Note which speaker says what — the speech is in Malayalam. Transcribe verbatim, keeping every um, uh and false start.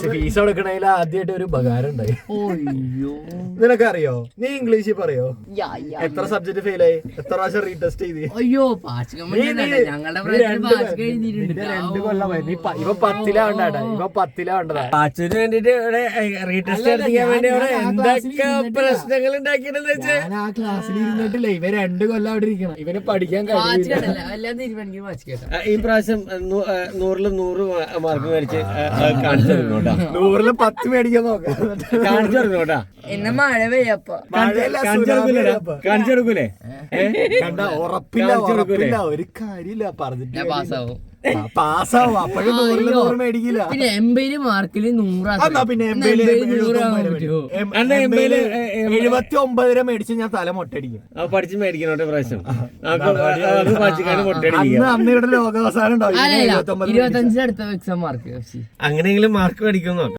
Speaker 1: ഫീസ് കൊടുക്കണേൽ ആദ്യമായിട്ട് ഒരു ഉപകാരം ഉണ്ടായി. നിനക്കറിയോ നീ ഇംഗ്ലീഷിൽ പറയോ എത്ര സബ്ജക്ട് ഫെയിൽ ആയി, എത്ര പ്രാവശ്യം റീടെസ്റ്റ് ചെയ്ത്?
Speaker 2: അയ്യോ
Speaker 1: രണ്ട് കൊല്ലമായി. ഇവ പത്തിലാവണ്ടാ ഇവ പത്തിലാവേണ്ടതാ.
Speaker 3: പാച്ചുവിന് വേണ്ടിട്ട് ഇവിടെ റീടെസ്റ്റ് ചെയ്യാൻ വേണ്ടി അവിടെ എന്തൊക്കെ പ്രശ്നങ്ങൾ ഉണ്ടാക്കിയിട്ടുണ്ടെന്ന് വെച്ചാൽ
Speaker 1: ഞാൻ ആ ക്ലാസ്സിൽ ഇരുന്നിട്ടില്ല. ഇവ രണ്ട് കൊല്ലം അവിടെ ഇരിക്കണം. ഇവന് പഠിക്കാൻ
Speaker 3: ഈ പ്രാവശ്യം നൂറില് നൂറ് മാർക്ക് മേടിച്ച് കാണിച്ചു തരുന്നോട്ടാ.
Speaker 1: നൂറില് പത്ത് മേടിക്കാൻ നോക്കാം.
Speaker 3: കാണിച്ചു തരുന്നോട്ടാ.
Speaker 2: എന്നെ മഴ പെയ്യപ്പോ
Speaker 3: കാണിച്ചു കൊടുക്കൂലേ? കാണിച്ചു കൊടുക്കൂലേ?
Speaker 1: കണ്ട ഉറപ്പില്ല ഉറപ്പില്ല ഒരു കാര്യമില്ല പറഞ്ഞിട്ട് പാസ്സാവും. പാസ്സാവും. അപ്പോഴും നൂറില് നൂറ് മേടിക്കില്ല.
Speaker 2: പിന്നെ എൺപത് മാർക്കില് നൂറ്
Speaker 1: പിന്നെ എഴുപത്തി ഒമ്പതര മേടിച്ച് ഞാൻ തല മൊട്ടടിക്കും.
Speaker 3: പഠിച്ച് മേടിക്കണോട്ടെ പ്രാവശ്യം.
Speaker 1: അന്ന് ഇവിടെ ലോകാവസാനം ഉണ്ടാവും.
Speaker 2: ഇരുപത്തഞ്ചിന് അടുത്ത എക്സാം മാർക്ക്
Speaker 3: അങ്ങനെയെങ്കിലും മാർക്ക് മേടിക്കും നോക്കാം.